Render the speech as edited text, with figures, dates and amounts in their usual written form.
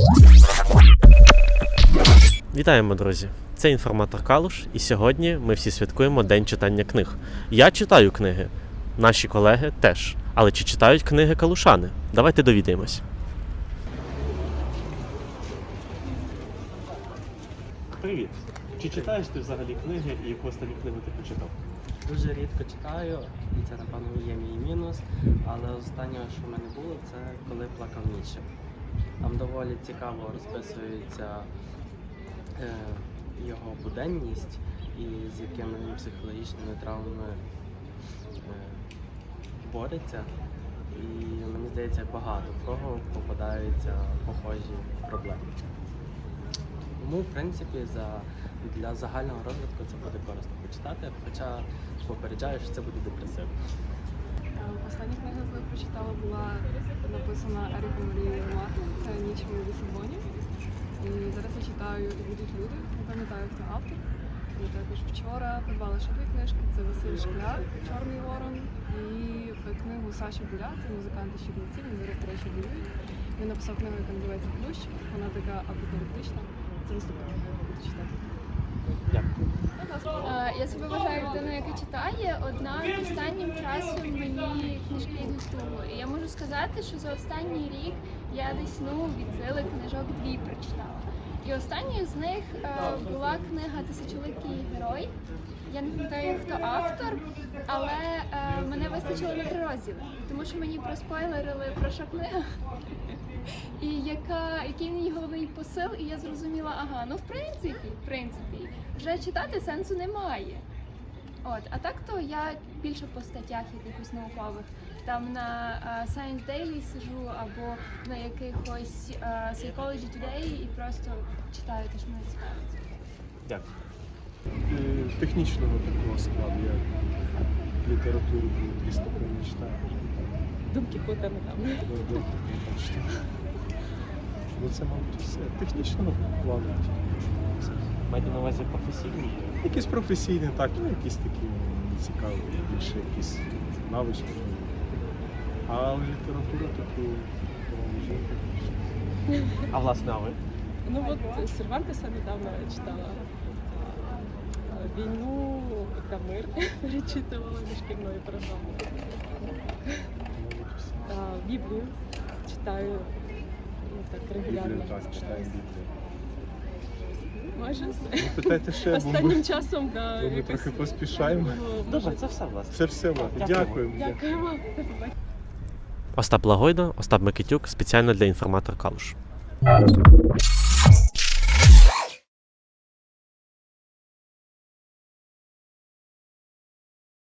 Вітаємо, друзі! Це інформатор Калуш, і сьогодні ми всі святкуємо День читання книг. Я читаю книги, наші колеги теж. Але чи читають книги калушани? Давайте довідаємось. Привіт! Чи читаєш ти взагалі книги і яку останню книгу ти почитав? Дуже рідко читаю, і це, напевно, є мій мінус, але останнє, що в мене було, це коли плакав Ніцше. Там доволі цікаво розписується його буденність і з якими він психологічними травмами бореться. І мені здається, багато в кого попадаються похожі проблеми. Тому, в принципі, для загального розвитку це буде корисно почитати, хоча попереджаю, що це буде депресивно. Остання книга, яку я прочитала, була написана Еріком Марією Ремарком, це «Ніч у Лісабоні». І зараз я читаю «І будуть люди», не пам'ятаю, хто автор. І також вчора придбала ще дві книжки, це Василь Шкляр, «Чорний ворон», і книгу Саші Буля, це музиканти Щебниці, він зараз, до речі, воюють. Він написав книгу, яка називається «Плющ», вона така апокаліптична. Це наступне, буду читати. Дякую. Я себе вважаю людиною, яка читає, однак останнім часом мені книжки йдуть туго. І я можу сказати, що за останній рік я десь від сили книжок 2 прочитала. І останньою з них була книга «Тисячоликий герой». Я не пам'ятаю, хто автор, але мене вистачило на 3 розділи, тому що мені проспойлерили, про що книга. І який в ній головний посил, і я зрозуміла, в принципі, вже читати сенсу немає. А так то я більше по статтях якихось наукових, там на Science Daily сижу або на якихось Psychology Today і просто читаю те, що мене цікавить. Дякую. Технічного такого складу, як літературу, 200 не читаю. Дон Кіхота недавно. Ну це, мабуть, все. Технічного плану. Маєте на увазі професійні? Якісь професійні, так, якісь такі цікаві, більше якісь навички. А література таку жінка. А власне, а ви? Сервантеса недавно читала. «Війну та мир» перечитувала зі шкільної програми. Біблію читаю так регулярно. Біблію, так, читаю Біблію. Майже все. Питайте ще, бо Останнім часом, ми трохи поспішаємо. Добре, це все, власне. Це все, власне. Дякуємо. Дякуємо. Остап Лагойда, Остап Микитюк, спеціально для інформатор Калуш.